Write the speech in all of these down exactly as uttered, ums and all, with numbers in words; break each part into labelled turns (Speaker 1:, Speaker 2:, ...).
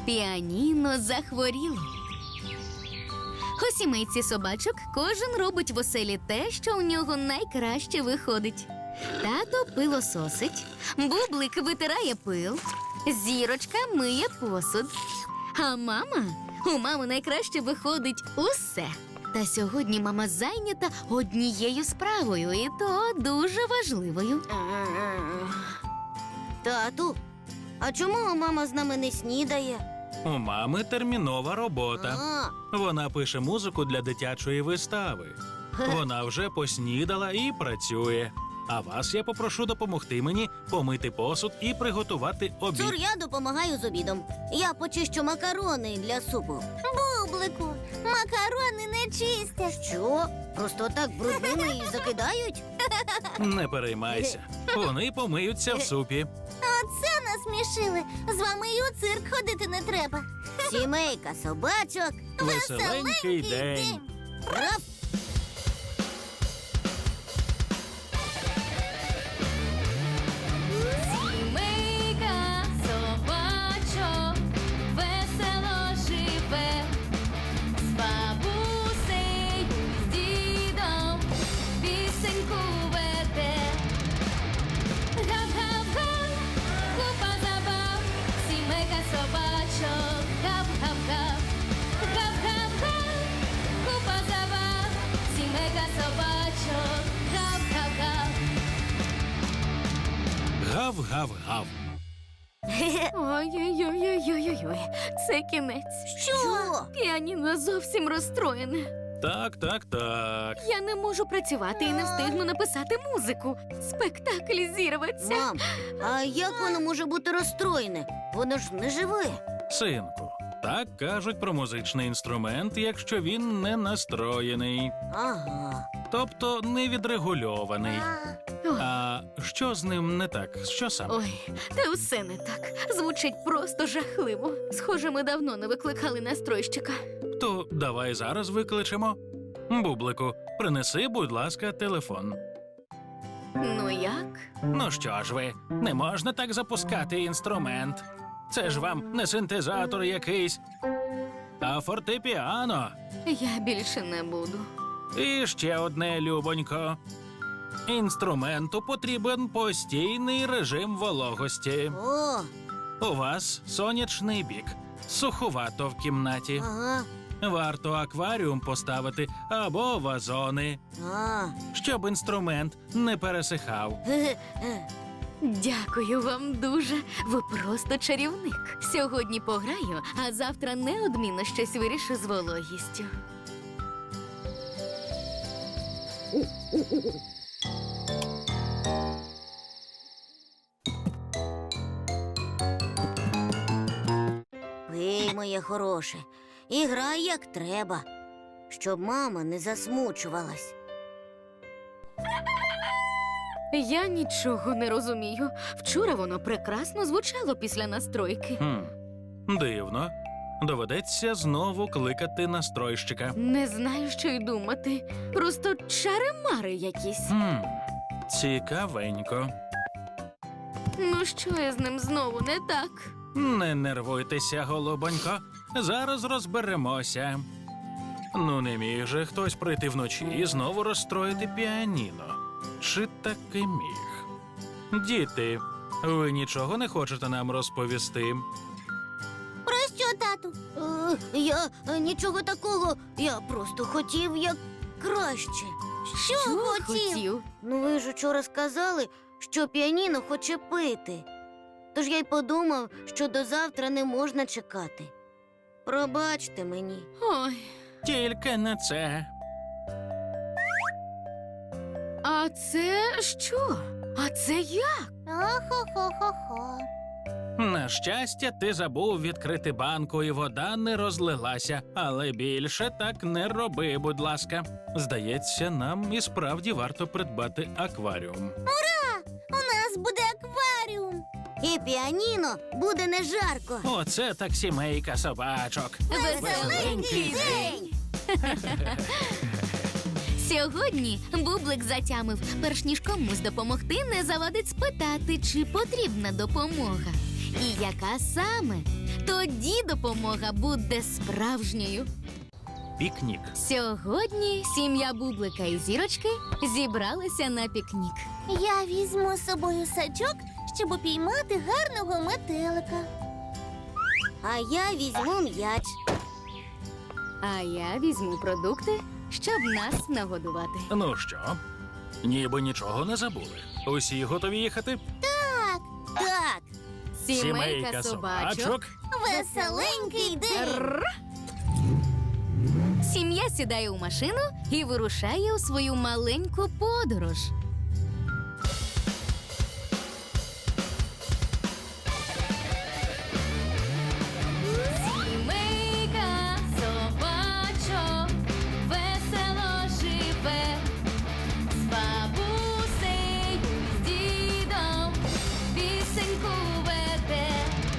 Speaker 1: Піаніно захворіло. У сімейці собачок кожен робить в оселі те, що у нього найкраще виходить. Тато пилососить, Бублик витирає пил, Зірочка миє посуд. А мама? У мами найкраще виходить усе. Та сьогодні мама зайнята однією справою, і то дуже важливою.
Speaker 2: Тату, а чому мама з нами не снідає?
Speaker 3: У мами термінова робота.
Speaker 2: А,
Speaker 3: Вона пише музику для дитячої вистави. Вона вже поснідала і працює. А вас я попрошу допомогти мені помити посуд і приготувати обід.
Speaker 2: Цур, я допомагаю з обідом. Я почищу макарони для супу.
Speaker 4: Бублику, макарони не чистять.
Speaker 2: Що? Просто так брудними і закидають?
Speaker 3: Не переймайся. Вони помиються в супі.
Speaker 4: Оце насмішили. З вами і у цирк ходити не треба.
Speaker 2: Сімейка собачок.
Speaker 3: Веселенький день.
Speaker 2: Раф!
Speaker 1: Сімейка собачок весело живе, з бабусею, з дідом пісеньку веде. Гап-гап-га, купа забав, сімейка собачок, гап-гап-гап. Гап-гап-га, купа забав, сімейка собачок, гап-гап-гап.
Speaker 3: Гав-гав-гав.
Speaker 1: Ой-ой-ой-ой-ой-ой, це кінець.
Speaker 2: Що?
Speaker 1: Піаніно зовсім розстроєне.
Speaker 3: Так, так, так.
Speaker 1: Я не можу працювати і не встигну написати музику. Спектакль зірветься.
Speaker 2: Мам, а як воно може бути розстроєне? Воно ж не живе.
Speaker 3: Синку, так кажуть про музичний інструмент, якщо він не настроєний,
Speaker 2: Ага.
Speaker 3: тобто не відрегульований.
Speaker 1: Ой,
Speaker 3: А що з ним не так? Що саме?
Speaker 1: ой, та усе не так. Звучить просто жахливо. Схоже, ми давно не викликали настройщика.
Speaker 3: То давай зараз викличемо. Бублику, принеси, будь ласка, телефон.
Speaker 1: Ну як?
Speaker 3: Ну що ж ви, не можна так запускати інструмент. Це ж вам не синтезатор якийсь, а фортепіано.
Speaker 1: Я більше не буду.
Speaker 3: І ще одне, любонько. Інструменту потрібен постійний режим вологості.
Speaker 2: О,
Speaker 3: У вас сонячний бік, суховато в кімнаті.
Speaker 2: ага.
Speaker 3: Варто акваріум поставити або вазони,
Speaker 2: А.
Speaker 3: щоб інструмент не пересихав.
Speaker 2: Ге-ге.
Speaker 1: Дякую вам дуже. Ви просто чарівник. Сьогодні пограю, а завтра неодмінно щось вирішу з вологістю.
Speaker 2: Пий, моє хороше, і грай як треба, щоб мама не засмучувалась.
Speaker 1: Я нічого не розумію. Вчора воно прекрасно звучало після настройки.
Speaker 3: Хм, дивно. Доведеться знову кликати настройщика.
Speaker 1: Не знаю, що й думати. Просто чари-мари якісь.
Speaker 3: Хм, цікавенько.
Speaker 1: Ну що я з ним знову не так?
Speaker 3: Не нервуйтеся, голубонько. Зараз розберемося. Ну, не міг же хтось прийти вночі і знову розстроїти піаніно. Чи таки міг? Діти, ви нічого не хочете нам розповісти?
Speaker 4: Про що, тату?
Speaker 2: Е, я е, нічого такого, я просто хотів як краще.
Speaker 4: Що, хотів?
Speaker 2: Ну ви ж учора сказали, що піаніно хоче пити. Тож я й подумав, що до завтра не можна чекати. Пробачте мені.
Speaker 1: Ой,
Speaker 3: Тільки не це.
Speaker 1: а це що? А це як?
Speaker 4: Охо-хо-хо-хо.
Speaker 3: На щастя, ти забув відкрити банку, і вода не розлилася. Але більше так не роби, будь ласка. Здається, нам і справді варто придбати акваріум.
Speaker 4: У нас буде акваріум.
Speaker 2: І піаніно буде не жарко.
Speaker 3: Оце так сімейка собачок.
Speaker 1: Веселенький день! Сьогодні Бублик затямив, перш ніж комусь допомогти, не завадить спитати, чи потрібна допомога. і яка саме. Тоді допомога буде справжньою.
Speaker 3: Пікнік.
Speaker 1: Сьогодні сім'я Бублика і Зірочки зібралися на пікнік.
Speaker 4: Я візьму з собою сачок, щоб упіймати гарного метелика.
Speaker 2: А я візьму м'яч.
Speaker 1: А я візьму продукти, щоб нас нагодувати.
Speaker 3: Ну що, ніби нічого не забули. Усі готові їхати?
Speaker 2: Так,
Speaker 1: Сімейка собачок.
Speaker 4: Веселенький день!
Speaker 1: Рр. Сім'я сідає у машину і вирушає у свою маленьку подорож. Сімейка собачок весело живе, з бабусею, з дідом пісеньку веде.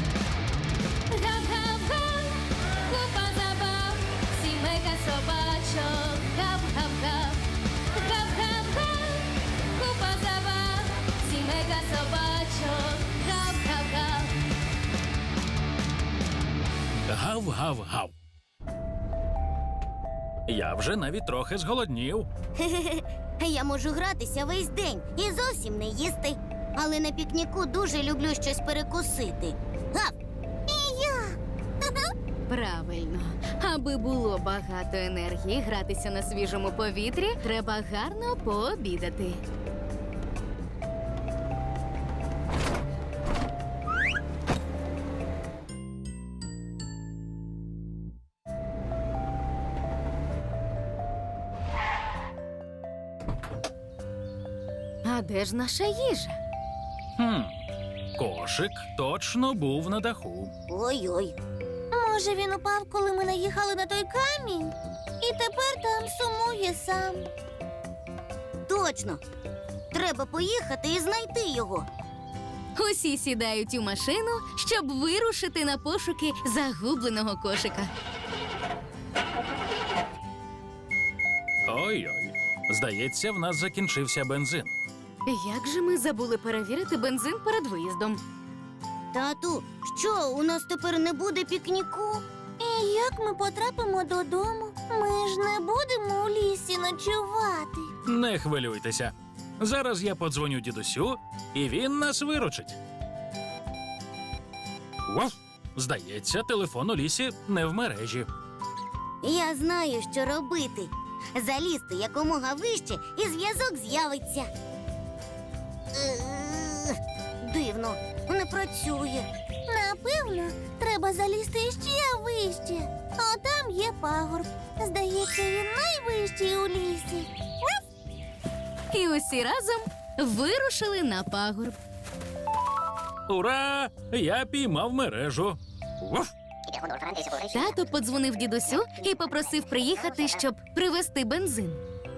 Speaker 1: Гав-гав-га, купа забав, сімейка собачок, гав-гав-гав. Гав-гав-га, купа забав, сімейка собачок, гав-гав-гав.
Speaker 3: Гав-гав-гав. Я вже навіть трохи зголоднів.
Speaker 2: я можу гратися весь день і зовсім не їсти. Але на пікніку дуже люблю щось перекусити. Гав!
Speaker 1: Правильно. Аби було багато енергії гратися на свіжому повітрі, треба гарно пообідати. А де ж наша їжа?
Speaker 3: Хм. Кошик точно був на даху.
Speaker 2: Ой-ой.
Speaker 4: Може, він упав, коли ми наїхали на той камінь? І тепер там сумує сам.
Speaker 2: Точно. Треба поїхати і знайти його.
Speaker 1: Усі сідають у машину, щоб вирушити на пошуки загубленого кошика.
Speaker 3: Ой-ой. Здається, в нас закінчився бензин.
Speaker 1: Як же ми забули перевірити бензин перед виїздом?
Speaker 2: Тату, що, у нас тепер не буде пікніку?
Speaker 4: І як ми потрапимо додому? Ми ж не будемо у лісі ночувати.
Speaker 3: Не хвилюйтеся. Зараз я подзвоню дідусю, і він нас виручить. Вов! Здається, телефон у лісі не в мережі.
Speaker 2: Я знаю, що робити. Залізти якомога вище, і зв'язок з'явиться. Е, Дивно, не працює.
Speaker 4: Напевно, треба залізти ще вище. А там є пагорб. Здається, він найвищий у лісі.
Speaker 1: І усі разом вирушили на пагорб.
Speaker 3: Ура! Я піймав мережу. Вов!
Speaker 1: Тато подзвонив дідусю і попросив приїхати, щоб привезти бензин.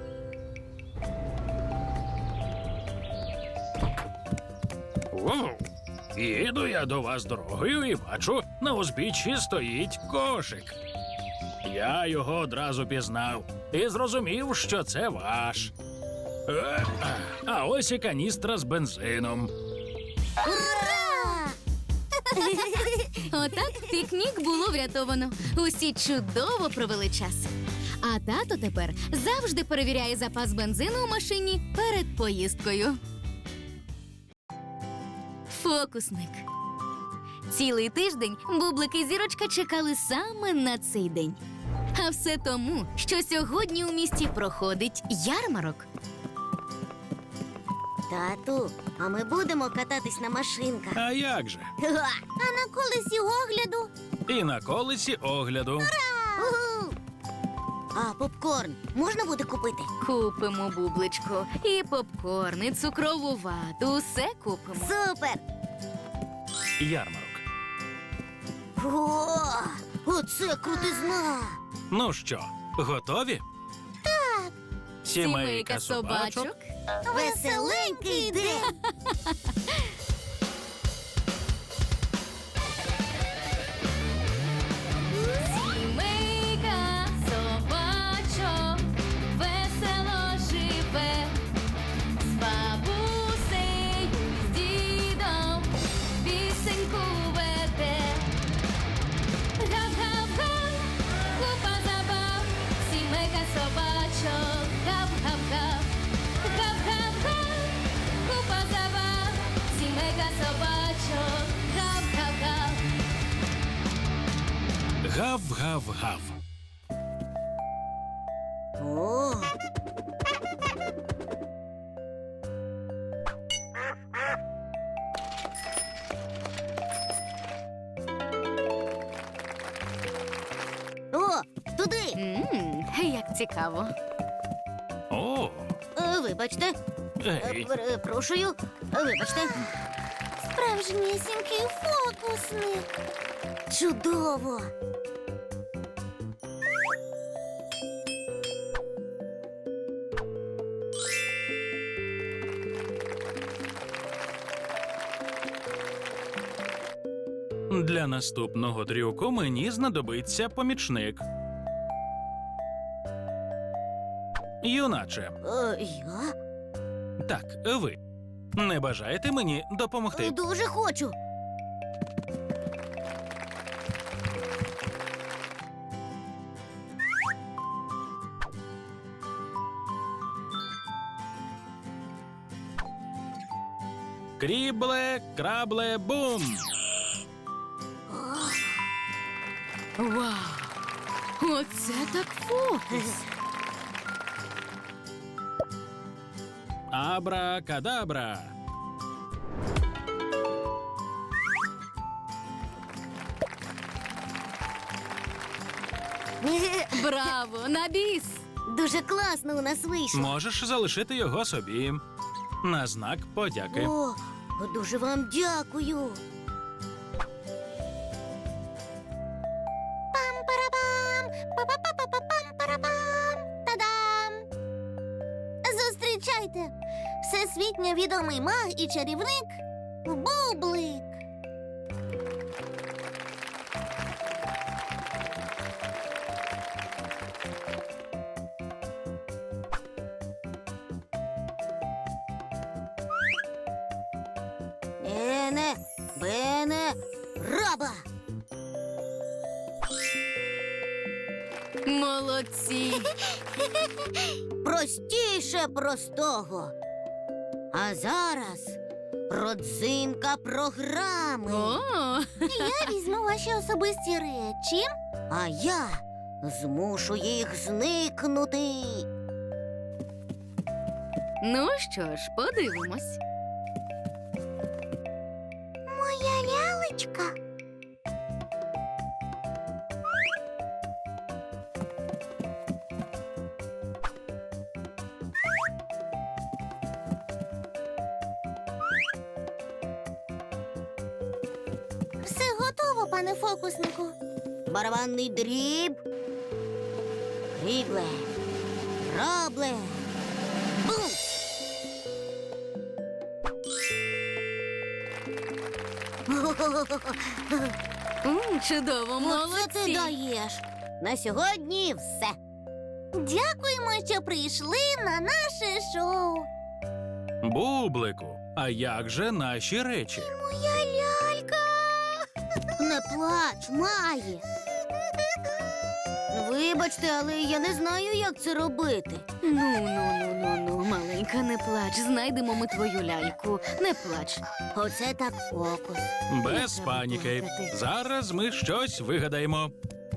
Speaker 3: Вов! Їду я до вас дорогою і бачу, на узбіччі стоїть кошик. Я його одразу пізнав і зрозумів, що це ваш. Е, А ось і каністра з бензином.
Speaker 2: Ура!
Speaker 1: Отак пікнік було врятовано. Усі чудово провели час. А тато тепер завжди перевіряє запас бензину у машині перед поїздкою. Фокусник. Цілий тиждень Бублик і Зірочка чекали саме на цей день. А все тому, що сьогодні у місті проходить ярмарок.
Speaker 2: Тату, а ми будемо кататись на машинках.
Speaker 3: А як же?
Speaker 2: Га!
Speaker 4: А на колесі огляду
Speaker 3: І на колесі огляду.
Speaker 2: Уху! А попкорн можна буде купити?
Speaker 1: Купимо, Бубличку, і попкорн, і цукрову вату, усе купимо.
Speaker 2: Супер!
Speaker 3: Ярмарок.
Speaker 2: О, оце крутизна!
Speaker 3: Ну що, готові? Так. Сімейка собачок.
Speaker 2: Веселенький день!
Speaker 1: Сімейка собачок весело живе, з бабусею, з дідом пісеньку
Speaker 3: Гав-гав-гав.
Speaker 2: О. О, туди.
Speaker 1: Мм, як цікаво.
Speaker 3: О,
Speaker 2: Е, Вибачте. Е,
Speaker 3: ей.
Speaker 2: Перепрошую. Вибачте.
Speaker 4: Справжнісінький фокусник.
Speaker 2: Чудово.
Speaker 3: Для наступного трюку мені знадобиться помічник. Юначе,
Speaker 2: Е, Я
Speaker 3: так, ви. Не бажаєте мені допомогти?
Speaker 2: дуже хочу.
Speaker 3: Крібле, крабле, бум!
Speaker 1: Вау! Оце так фокус!
Speaker 3: Абра-кадабра!
Speaker 1: Браво! На біс!
Speaker 2: Дуже класно у нас вийшло.
Speaker 3: Можеш залишити його собі. На знак подяки.
Speaker 2: О, дуже вам дякую.
Speaker 4: Пам-парабам! Па-па-па-па-пам-парабам! Та-дам! Зустрічайте! Всесвітньо відомий маг і чарівник Бублик.
Speaker 2: Ене, бене, раба.
Speaker 1: Молодці!
Speaker 2: Простіше простого. А зараз родзинка програми.
Speaker 1: О!
Speaker 4: Я візьму ваші особисті речі.
Speaker 2: А я змушу їх зникнути.
Speaker 1: Ну що ж, подивимось.
Speaker 4: Моя лялечка. Все готово, пане фокуснику.
Speaker 2: Барабанний дріб. Крібле. Рабле. Бум!
Speaker 1: М, чудово,
Speaker 2: Оце ти
Speaker 1: молодці!
Speaker 2: даєш. На сьогодні все.
Speaker 4: Дякуємо, що прийшли на наше шоу.
Speaker 3: Бублику, а як же наші речі?
Speaker 4: Моя лялька.
Speaker 2: Не плач, Маї. Вибачте, але я не знаю, як це робити.
Speaker 1: Ну, ну, ну, ну, ну, маленька, не плач. Знайдемо ми твою ляльку. Не плач.
Speaker 2: Оце так фокус.
Speaker 3: Без
Speaker 1: треба
Speaker 3: паніки.
Speaker 1: плакати.
Speaker 3: Зараз ми щось вигадаємо.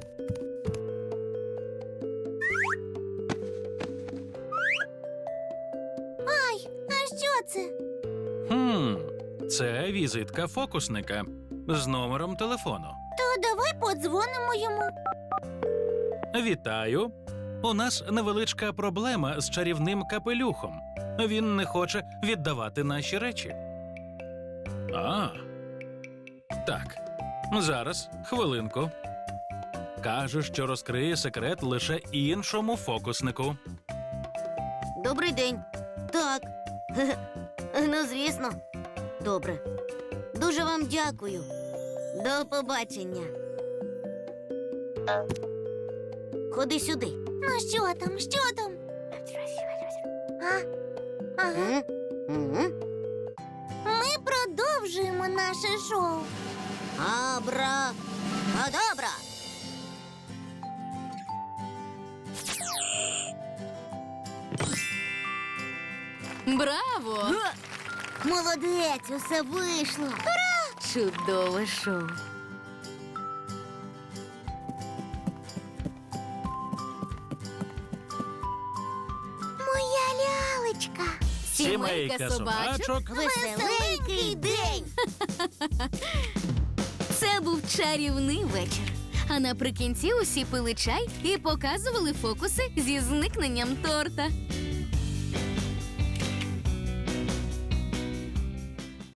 Speaker 4: Ай, а що це?
Speaker 3: Хм, це візитка фокусника з номером телефону.
Speaker 4: То давай подзвонимо йому.
Speaker 3: Вітаю. У нас невеличка проблема з чарівним капелюхом. Він не хоче віддавати наші речі. А. Так. Зараз, хвилинку. Каже, що розкриє секрет лише іншому фокуснику.
Speaker 2: Добрий день. Так. Ну, звісно. Добре. Дуже вам дякую. До побачення. Ходи сюди.
Speaker 4: Ну що там, що там? А? Ага.
Speaker 2: М? М?
Speaker 4: Ми продовжуємо наше шоу.
Speaker 2: Абра. Кадабра.
Speaker 1: Браво!
Speaker 2: Га! Молодець, усе вийшло.
Speaker 1: Чудове шоу.
Speaker 4: казочка.
Speaker 3: Сімейка собачок.
Speaker 2: Веселенький день!
Speaker 1: Це був чарівний вечір. А наприкінці усі пили чай і показували фокуси зі зникненням торта.